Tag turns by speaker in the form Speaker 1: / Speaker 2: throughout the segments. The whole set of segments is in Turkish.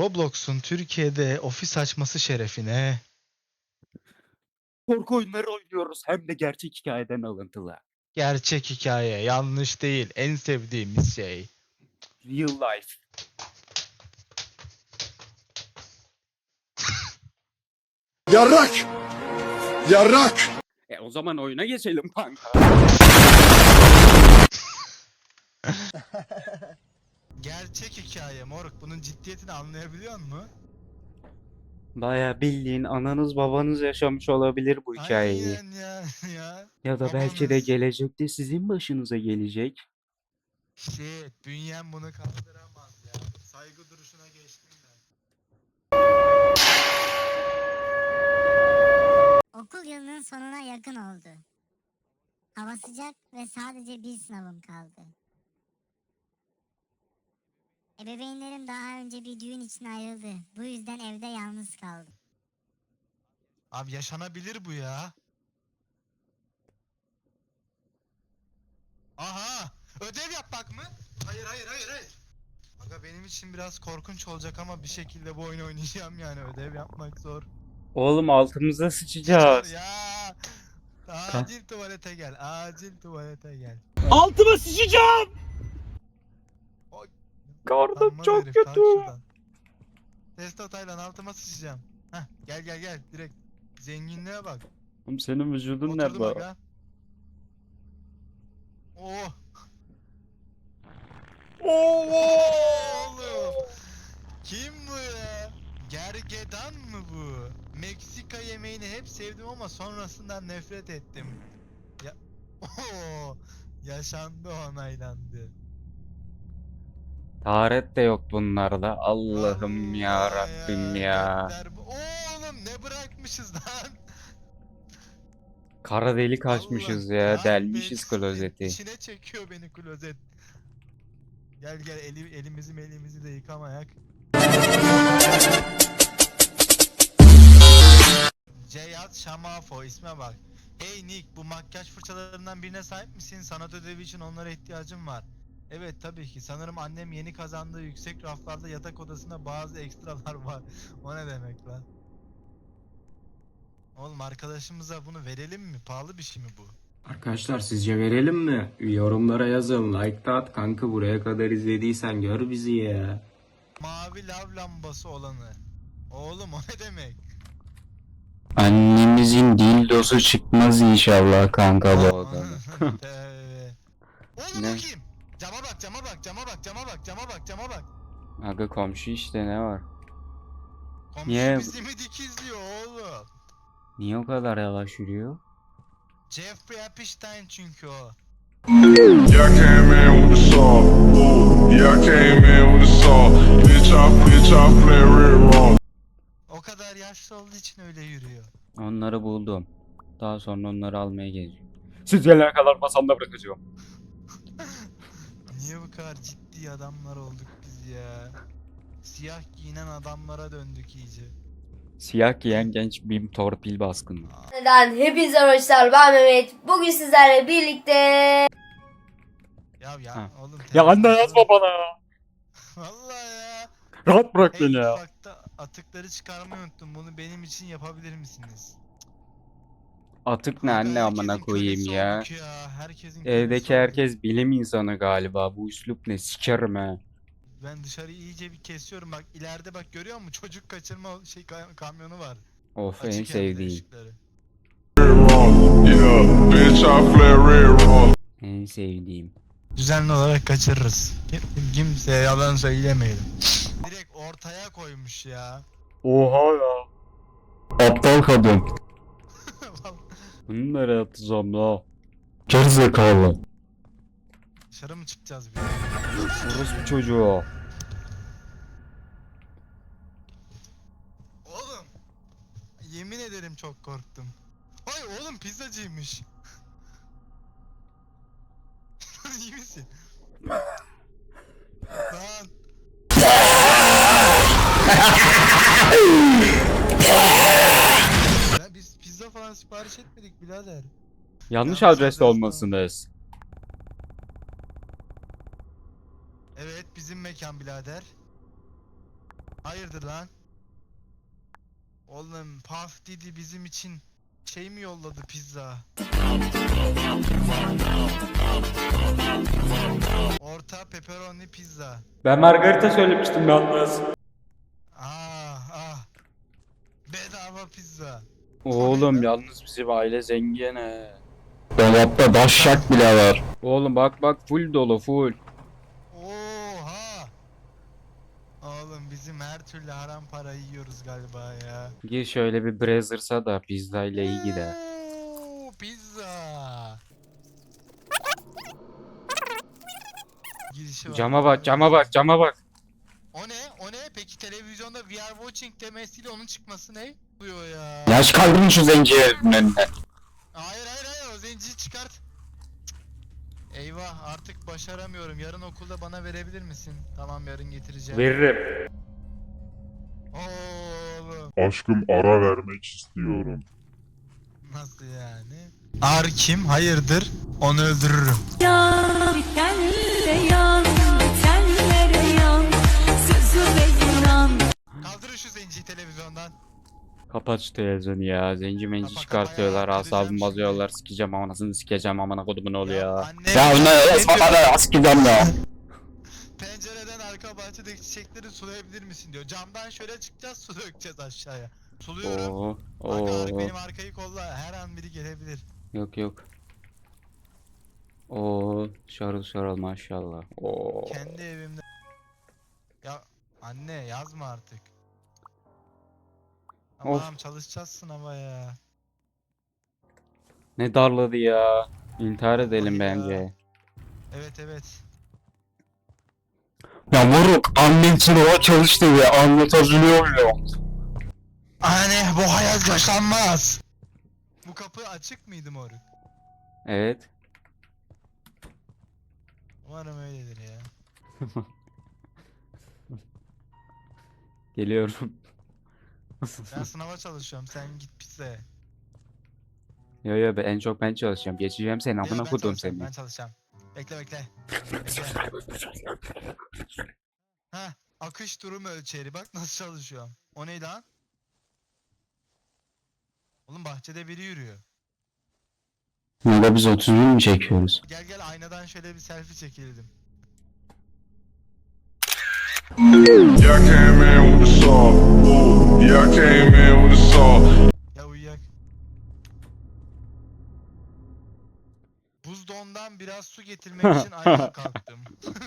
Speaker 1: Roblox'un Türkiye'de ofis açması şerefine
Speaker 2: Korku oyunları oynuyoruz hem de gerçek hikayeden alıntılı.
Speaker 1: gerçek hikaye, yanlış değil, en sevdiğimiz şey.
Speaker 2: Real life.
Speaker 3: Yarrak! Yarrak!
Speaker 2: O zaman oyuna geçelim kanka.
Speaker 1: Gerçek hikaye moruk. Bunun ciddiyetini anlayabiliyor musun?
Speaker 2: Baya bildiğin ananız babanız yaşamış olabilir bu hikayeyi.
Speaker 1: Aynen ya.
Speaker 2: Ya da belki de
Speaker 1: Babanız.
Speaker 2: gelecekte sizin başınıza gelecek.
Speaker 1: Bünyem bunu kaldıramaz ya. Saygı duruşuna geçtim ben.
Speaker 4: Okul yılının sonuna yakın oldu. Hava sıcak ve sadece bir sınavım kaldı. Ebeveynlerim daha önce bir düğün için ayrıldı. Bu yüzden evde yalnız kaldım.
Speaker 1: Abi yaşanabilir bu ya. Aha! Ödev yapmak mı? Hayır. Aga benim için biraz korkunç olacak ama bir şekilde bu oyunu oynayacağım yani. Ödev yapmak zor.
Speaker 2: Oğlum altımıza sıçacağız.
Speaker 1: Ya! Acil tuvalete gel. Acil tuvalete gel.
Speaker 2: Altıma sıçacağım.
Speaker 1: Oy.
Speaker 2: Karnım
Speaker 1: Utanmaz
Speaker 2: çok
Speaker 1: herif, kalk
Speaker 2: kötü.
Speaker 1: şuradan. Testo Taylan altıma sıçacağım. Heh, gel direkt. Zenginliğe bak.
Speaker 2: Oğlum senin vücudun
Speaker 1: Oturdum
Speaker 2: nerede?
Speaker 1: aga. Oh! Oğlum! Kim bu ya? Gergedan mı bu? Meksika yemeğini hep sevdim ama sonrasından nefret ettim. Ya Oo, yaşandı, onaylandı.
Speaker 2: Taharet de yok bunlarda. Allah'ım ya
Speaker 1: Vallahi
Speaker 2: Rabbim ya.
Speaker 1: gökler oğlum ne bırakmışız lan?
Speaker 2: Kara delik
Speaker 1: Allah
Speaker 2: açmışız ya. Delmişiz
Speaker 1: kahretsin.
Speaker 2: klozeti.
Speaker 1: İçine çekiyor beni klozet. Gel elimizi de yıkamayak. Ceyhat Şamafo isme bak. Hey Nick, bu makyaj fırçalarından birine sahip misin? Sanat ödevi için onlara ihtiyacım var. Evet tabii ki. Sanırım annem yeni kazandığı yüksek raflarda yatak odasında bazı ekstralar var. O ne demek lan? Oğlum arkadaşımıza bunu verelim mi? Pahalı bir şey mi bu?
Speaker 5: Arkadaşlar sizce verelim mi? Yorumlara yazın. Like da at kanka, buraya kadar izlediysen gör bizi ya.
Speaker 1: Mavi lav lambası olanı. Oğlum o ne demek?
Speaker 2: Annemizin dildosu çıkmaz inşallah kanka bu odanın.
Speaker 1: Oğlum
Speaker 2: Ne?
Speaker 1: o kim? Cama bak.
Speaker 2: Aga komşu işte ne var?
Speaker 1: Komşu
Speaker 2: Niye?
Speaker 1: bizi mi dikizliyor oğlum?
Speaker 2: Niye o kadar yavaş yürüyor?
Speaker 1: Jeffrey Epstein çünkü o.
Speaker 3: Yeah, I came in with the saw. Ooh, yeah, I came in with the saw. Bitch, I play real wrong.
Speaker 1: O kadar yaşlı olduğu için öyle yürüyor.
Speaker 2: Onları buldum. Daha sonra onları almaya geleceğim. Siz gelene kadar masamda bırakacağım.
Speaker 1: Niye bu kadar ciddi adamlar olduk biz ya? Siyah giyinen adamlara döndük iyice.
Speaker 2: Siyah giyen genç bir torpil baskını.
Speaker 6: Neden? Hepinize hoşlar. Ben Mehmet. Bugün sizlerle birlikte
Speaker 2: Ha.
Speaker 1: Oğlum.
Speaker 2: Ya anne
Speaker 1: telefon-
Speaker 2: yazma bana.
Speaker 1: Vallahi ya.
Speaker 2: Rahat bırak
Speaker 1: Hey
Speaker 2: beni ya.
Speaker 1: mutfakta atıkları çıkarmayı unuttum. Bunu benim için yapabilir misiniz?
Speaker 2: Atık ne
Speaker 1: Kanka,
Speaker 2: anne amına
Speaker 1: herkesin
Speaker 2: koyayım
Speaker 1: kölesi
Speaker 2: ya.
Speaker 1: olduk ya. Herkesin
Speaker 2: Evdeki
Speaker 1: kölesi olduk.
Speaker 2: herkes bilim insanı galiba. Bu üslup ne? Sikerim he.
Speaker 1: Ben dışarıyı iyice bir kesiyorum. Bak ileride bak görüyor musun? Çocuk kaçırma kamyonu var.
Speaker 2: Of en
Speaker 1: Açık hem de
Speaker 2: sevdiğim.
Speaker 1: ışıkları.
Speaker 3: Real wrong. Yeah, bitch, I play real wrong.
Speaker 2: En sevdiğim.
Speaker 1: Düzenli olarak kaçırırız. Kimseye yalan söylemeyelim. Direkt ortaya koymuş ya.
Speaker 2: Oha ya. Aptal kadın. Bunu nereye atacağım la? Gerizekalı.
Speaker 1: Dışarı mı çıkacağız bir?
Speaker 2: Orospu çocuğu.
Speaker 1: Oğlum. Yemin ederim çok korktum. Ay oğlum pizzacıymış. İyi misin? Lan. Ya biz pizza falan sipariş etmedik birader.
Speaker 2: Yanlış
Speaker 1: Yanlış
Speaker 2: adreste
Speaker 1: adres
Speaker 2: olmasınız.
Speaker 1: Evet bizim mekan birader. Hayırdır lan? Oğlum Puff Didi bizim için şey mi yolladı pizza? Orta pepperoni pizza.
Speaker 2: Ben margarita söylemiştim yalnız.
Speaker 1: Ah. Bedava pizza.
Speaker 2: Oğlum yalnız bizim aile zengin he.
Speaker 5: Dolapta daşşak bile var.
Speaker 2: Oğlum bak full dolu full.
Speaker 1: Oha. Oğlum bizim her türlü haram parayı yiyoruz galiba ya.
Speaker 2: Gir şöyle bir Brazzers'a da pizza ile iyi gider.
Speaker 1: Oo, pizza. Girişi var.
Speaker 2: Cama bak.
Speaker 1: O ne? Peki televizyonda We are watching demesiyle onun çıkması ne? Oluyor ya.
Speaker 5: Yaş kaldırın şu zenciye önüne.
Speaker 1: Hayır o zenciyi çıkart. Cık. Eyvah artık başaramıyorum. Yarın okulda bana verebilir misin? Tamam yarın getireceğim.
Speaker 2: Veririm.
Speaker 1: Oğlum.
Speaker 3: Aşkım ara vermek istiyorum.
Speaker 1: Nasıl yani? Ar kim? Hayırdır? Onu öldürürüm.
Speaker 7: Yan, bitenlere yan, bitenlere yan, sözüme inan.
Speaker 1: Kaldırın şu zenciyi televizyondan.
Speaker 2: Kapat şu televizyonu ya. Zenci menci
Speaker 1: Kapa,
Speaker 2: çıkartıyorlar.
Speaker 1: kapa ya,
Speaker 2: Asabımı
Speaker 1: kıracağım
Speaker 2: bozuyorlar. Sikeceğim anasını sikeceğim amına kodumun oğlu ya.
Speaker 1: Anne,
Speaker 5: Ya ne
Speaker 1: diyor?
Speaker 5: esmada askıdan ya.
Speaker 1: Pencereden arka bahçedeki çiçekleri sulayabilir misin diyor. Camdan şöyle çıkacağız su dökeceğiz aşağıya. Suluyorum.
Speaker 2: Oo.
Speaker 1: Bak benim arkayı kolla her an biri gelebilir.
Speaker 2: Yok. Oo, şarıl maşallah. Oo.
Speaker 1: Kendi evimde. Ya anne yazma artık.
Speaker 2: Of.
Speaker 1: Tamam çalışacağız sınava ya.
Speaker 2: Ne darladı ya. İntihar edelim
Speaker 1: Vallahi ya.
Speaker 2: bence.
Speaker 1: Evet.
Speaker 5: Ya moruk annen sınava çalıştı ve anlatabiliyor muyum?
Speaker 1: Anne bu hayat yaşanmaz. Bu kapı açık mıydı moruk?
Speaker 2: Evet.
Speaker 1: Umarım öyledir ya.
Speaker 2: Geliyorum.
Speaker 1: Ben sınava çalışıyorum sen git pizzaya.
Speaker 2: Yo en çok ben çalışacağım. Geçeceğim seni amına
Speaker 1: Ben
Speaker 2: kodum
Speaker 1: çalışacağım,
Speaker 2: seni.
Speaker 1: ben çalışacağım. Bekle. Ha, akış durum ölçeri. Bak nasıl çalışıyorum. O ne lan? Oğlum bahçede biri yürüyor.
Speaker 5: Burada biz 31 mi çekiyoruz?
Speaker 1: Gel aynadan şöyle bir selfie çekelim.
Speaker 3: Yeah, I came in with the saw. Ooh, yeah, I came in with the saw.
Speaker 1: Ya uyuyak. Buzdolabından biraz su getirmek için ayağa kalktım.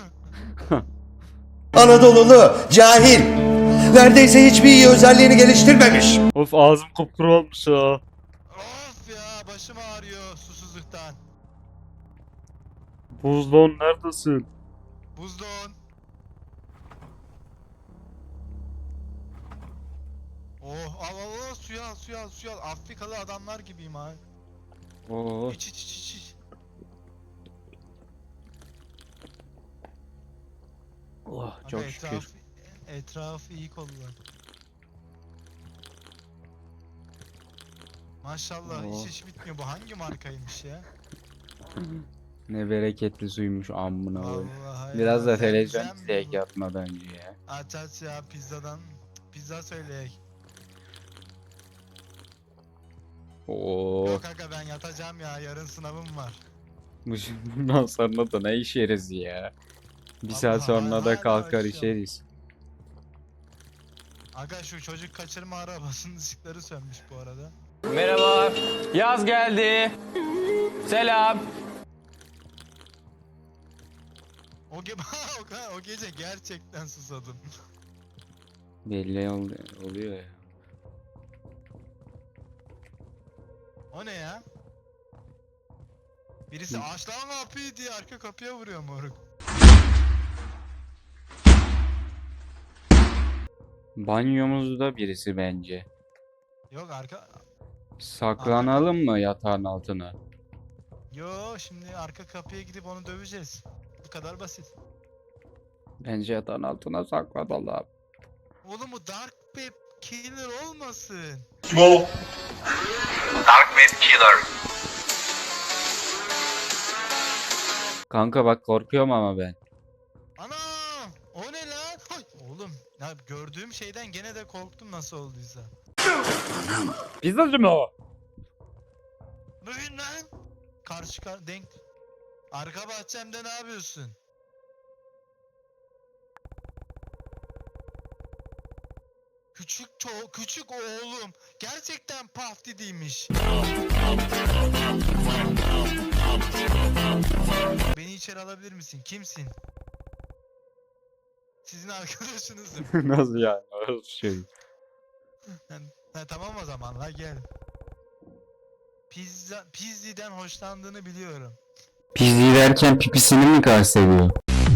Speaker 8: Anadolulu, cahil. Neredeyse hiçbir iyi özelliğini geliştirmemiş.
Speaker 2: Of ağzım kupkuru olmuş ya.
Speaker 1: Of ya başım ağrıyor susuzluktan.
Speaker 2: Buzdolabı neredesin?
Speaker 1: Buzdolabı. Oh al suyu al. Afrikalı adamlar gibiyim ha.
Speaker 2: Oo.
Speaker 1: İç.
Speaker 2: Oh,
Speaker 1: Aga,
Speaker 2: çok şükür.
Speaker 1: Etrafı iyi kollar. Maşallah
Speaker 2: Oo.
Speaker 1: iş bitmiyor. Bu hangi markaymış ya?
Speaker 2: Ne bereketli suymuş amına koyayım.
Speaker 1: Vallahi
Speaker 2: Biraz da
Speaker 1: ya,
Speaker 2: televizyon
Speaker 1: zemzem
Speaker 2: izleyek
Speaker 1: bu.
Speaker 2: yatmadan önce ya.
Speaker 1: Aç ya pizza söyleyek.
Speaker 2: Oo.
Speaker 1: Yok aga ben yatacağım ya yarın sınavım var.
Speaker 2: Bundan sonra da ne işeriz ya. Bir saat
Speaker 1: Allah,
Speaker 2: sonra da
Speaker 1: hala
Speaker 2: kalkar
Speaker 1: açıyorum.
Speaker 2: işeriz.
Speaker 1: Aga şu çocuk kaçırma arabasının ışıkları sönmüş bu arada.
Speaker 9: Merhaba. Yaz geldi. Selam.
Speaker 1: O gece gerçekten susadım.
Speaker 2: Belli oluyor ya.
Speaker 1: O ne ya? Birisi aç lan kapıyı diye arka kapıya vuruyor moruk.
Speaker 2: Banyomuzda birisi bence.
Speaker 1: Yok
Speaker 2: Saklanalım mı yatağın altına?
Speaker 1: Yo şimdi arka kapıya gidip onu döveceğiz. Bu kadar basit.
Speaker 2: Bence yatağın altına saklanalım.
Speaker 1: Oğlum bu Dark Web Killer olmasın.
Speaker 2: Kanka bak korkuyorum ama ben.
Speaker 1: Anam! O ne lan? Hay! Oğlum ne Ya gördüğüm şeyden gene de korktum nasıl olduysa.
Speaker 2: Pizzacı mı o?
Speaker 1: Bugün lan. Denk. Arka bahçemde ne yapıyorsun? Küçük oğlum gerçekten Puff Daddy'ymiş. Beni içeri alabilir misin? Kimsin? Sizin arkadaşınızım.
Speaker 2: Nasıl yani? Nasıl şey?
Speaker 1: Ha, tamam o zaman la gel. Pizzi'den hoşlandığını biliyorum.
Speaker 5: Pizzi derken pipisini mi kastediyor?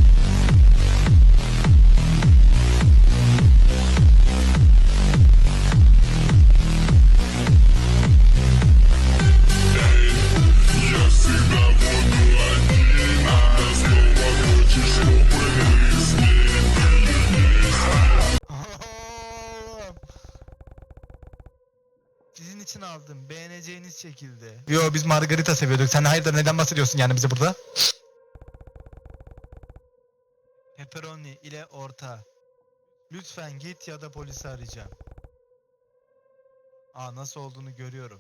Speaker 1: Oğlum. Sizin için aldım. Beğeneceğiniz şekilde. Yo biz margarita seviyorduk. Sen hayırdır neden bahsediyorsun yani bize burada? Pepperoni ile orta. Lütfen git ya da polisi arayacağım. Aa nasıl olduğunu görüyorum.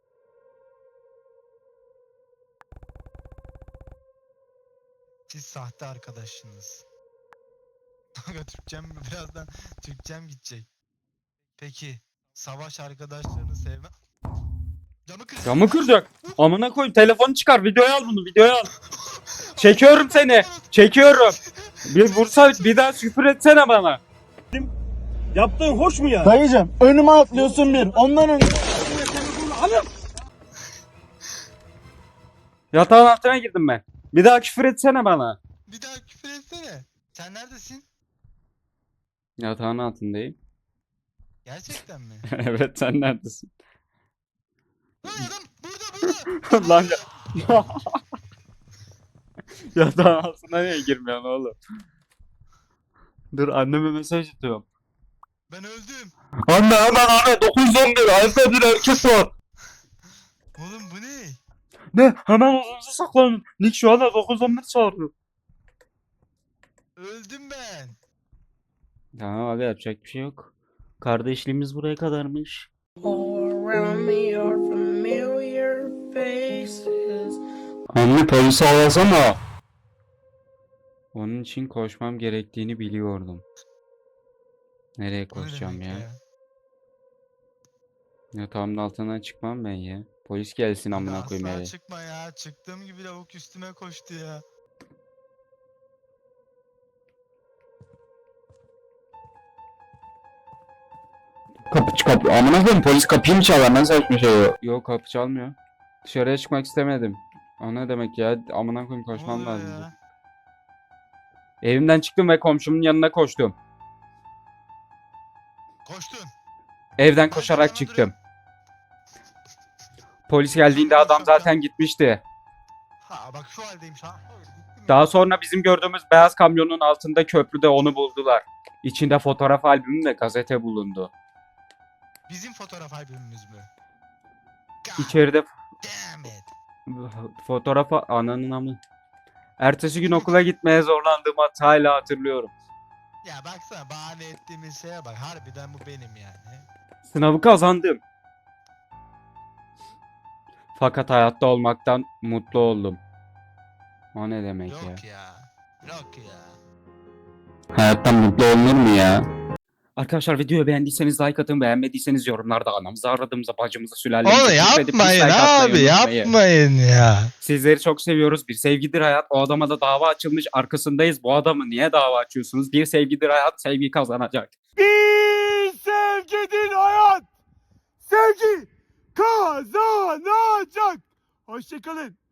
Speaker 1: Siz sahte arkadaşsınız. Birazdan Türkçem gidecek. Peki savaş arkadaşlarını sevme. Camı kır.
Speaker 2: Camı kıracak. Amına koyayım, telefonu çıkar, videoya al bunu, videoya al. Çekiyorum seni. Çekiyorum. Bir vursa bir daha küfür etsene bana.
Speaker 10: Yaptığın hoş mu ya? Dayıcım önüme atlıyorsun bir. Ondan önce...
Speaker 2: Yatağın altına girdim ben. Bir daha küfür etsene bana.
Speaker 1: Bir daha küfür etsene. Sen neredesin?
Speaker 2: Yatağın altındayım.
Speaker 1: Gerçekten mi?
Speaker 2: Evet, sen neredesin?
Speaker 1: Lan adam burada.
Speaker 2: Lan ya. Yatağın altına niye girmiyorsun oğlum? Dur, anneme mesaj atıyorum.
Speaker 1: Ben öldüm.
Speaker 2: Anne hemen anne, 911 evde bir erkek var.
Speaker 1: Oğlum bu ne?
Speaker 2: Ne? Hemen odanıza saklanın. Nick şu anda 911 çağırıyor.
Speaker 1: Öldüm ben.
Speaker 2: Tamam abi, yapacak bir şey yok. Kardeşliğimiz buraya kadarmış. Anne, polisi arasana. Onun için koşmam gerektiğini biliyordum. Nereye
Speaker 1: Bu ne
Speaker 2: koşacağım
Speaker 1: demek
Speaker 2: ya? Yatağımın altından çıkmam ben ya. Polis gelsin
Speaker 1: Aga,
Speaker 2: amına koyayım
Speaker 1: asla
Speaker 2: eve.
Speaker 1: çıkma ya. Çıktığım gibi lavuk üstüme koştu ya.
Speaker 2: Kapı amına koyayım, polis kapıyı mı çalar, nasıl saçma şey o? Yok, kapı çalmıyor. Dışarıya çıkmak istemedim. O ne demek ya, amına koyayım,
Speaker 1: Ne
Speaker 2: koşmam
Speaker 1: oluyor
Speaker 2: lazım.
Speaker 1: ya?
Speaker 2: Evimden çıktım ve komşumun yanına koştum.
Speaker 1: Koştun.
Speaker 2: Evden
Speaker 1: Ben
Speaker 2: koşarak
Speaker 1: sana
Speaker 2: çıktım.
Speaker 1: duruyorum.
Speaker 2: Polis geldiğinde adam zaten gitmişti.
Speaker 1: Ha bak şu haldeyim şu an.
Speaker 2: Daha sonra bizim gördüğümüz beyaz kamyonun altında köprüde onu buldular. İçinde fotoğraf albümü ve gazete bulundu.
Speaker 1: Bizim fotoğraf albümümüz mü? God
Speaker 2: İçeride
Speaker 1: damn it.
Speaker 2: fotoğraf ananın amı. Ertesi gün okula gitmeye zorlandığımı hala hatırlıyorum.
Speaker 1: Ya baksana bahane ettiğimiz şeye bak. Harbiden bu benim yani.
Speaker 2: Sınavı kazandım. Fakat hayatta olmaktan mutlu oldum. O ne demek ya?
Speaker 1: Yok ya. Yok ya.
Speaker 2: Hayattan mutlu olunur mu ya? Arkadaşlar, videoyu beğendiyseniz like atın, beğenmediyseniz yorumlarda anamızı, aradığımıza, bacımıza, sülalemize
Speaker 1: Oğlum
Speaker 2: küfredip dislike
Speaker 1: yapmayın
Speaker 2: atmayı
Speaker 1: abi
Speaker 2: unutmayın.
Speaker 1: yapmayın ya.
Speaker 2: Sizleri çok seviyoruz. Bir sevgidir hayat. O adama da dava açılmış. Arkasındayız. Bu adamı niye dava açıyorsunuz? Bir sevgidir hayat. Sevgi kazanacak.
Speaker 10: Bir sevgidir hayat. Sevgi kazanacak. Hoşçakalın.